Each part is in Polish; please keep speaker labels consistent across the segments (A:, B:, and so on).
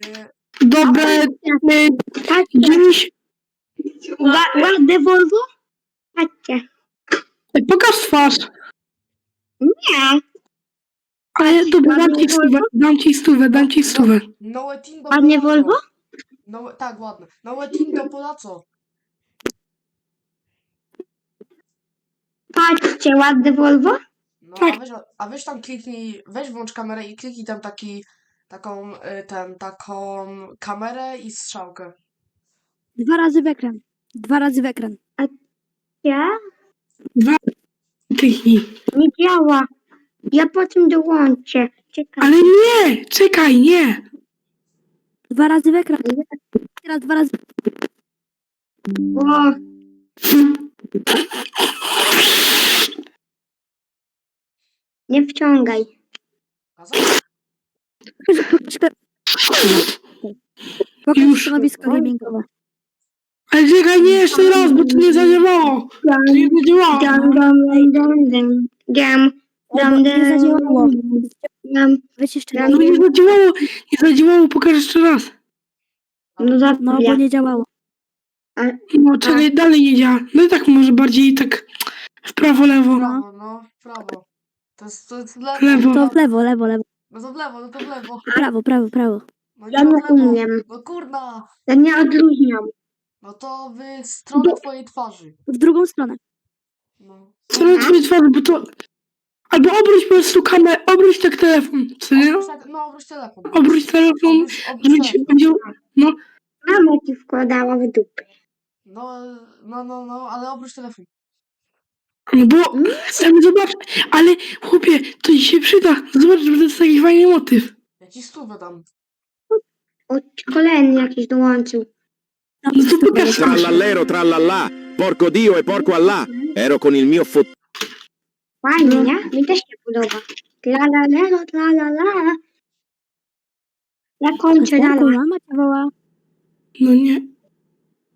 A: Dobre, dziś...
B: Ładne Volvo? Patrzcie.
A: Pokaż twarz.
B: Nie.
A: Ale dobra,
B: ładnie
A: dam ci stówę.
C: Nowe team do
B: Ładnie
C: Polaco.
B: Volvo?
C: Tak, ładne. Nowe team do Polaco.
B: Patrzcie, ładne Volvo?
C: No,
A: Tak.
C: a weź tam kliknij, weź włącz kamerę i kliknij tam taką kamerę i strzałkę.
D: 2 razy w ekran. 2 razy w ekran.
B: Ja?
A: Kliknij.
B: Nie działa. Ja potem dołączę. Czekaj.
A: Ale nie! Czekaj, nie!
D: 2 razy w ekran. Teraz 2 razy.
B: O, nie wciągaj.
C: A co?
D: Pokaż
A: Już.
D: stanowisko gamingowe.
A: Ale czekaj, nie, jeszcze raz, bo to nie zadziałało. To nie zadziałało.
B: Dam, dam, dam, dam, dam, dam,
D: Nie zadziałało.
B: dam.
D: Weź jeszcze
B: Ja
D: raz.
A: No nie zadziałało, pokaż jeszcze raz.
B: No dobra.
D: No bo nie działało.
A: No czekaj, dalej nie działa. No i tak może bardziej tak w prawo, lewo.
C: W prawo. To jest lewo.
A: Lewo.
D: To w lewo, lewo, lewo.
C: No to w lewo, no to w lewo.
D: Prawo, prawo, prawo.
C: No
B: Ja
C: nie
B: nie
C: w lewo.
B: umiem.
C: No kurna.
B: Ja nie odluźniam.
C: No to w stronę twojej twarzy.
D: W drugą stronę.
C: No.
A: Co twojej twarzy, bo to... Albo obróć po prostu kamerę, obróć tak telefon, co nie?
C: Obróć telefon.
A: Obróć telefon,
C: Obróć
A: żeby ci
C: telefon.
A: będzie... No,
B: Mama ci wkładała w dupę.
C: No, ale obróć telefon.
A: no bo... Zobacz, ale chłopie, to ci się przyda. Zobacz, że to jest taki fajny motyw.
C: Ja ci stówę dam.
B: O, kolejny jakiś dołączył.
A: No to pokaż sam.
E: Trallallero, trallallà, porco Dio e porco Allah. Ero con il mio
B: Fajnie, nie? Mi też się podoba. Tralalero, tralala. Ja kończę
D: Porku,
B: dalej.
D: mama cię woła.
A: No nie.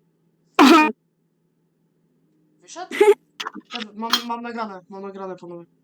A: Aha,
C: Wyszedł? Mam nagrane, panowie.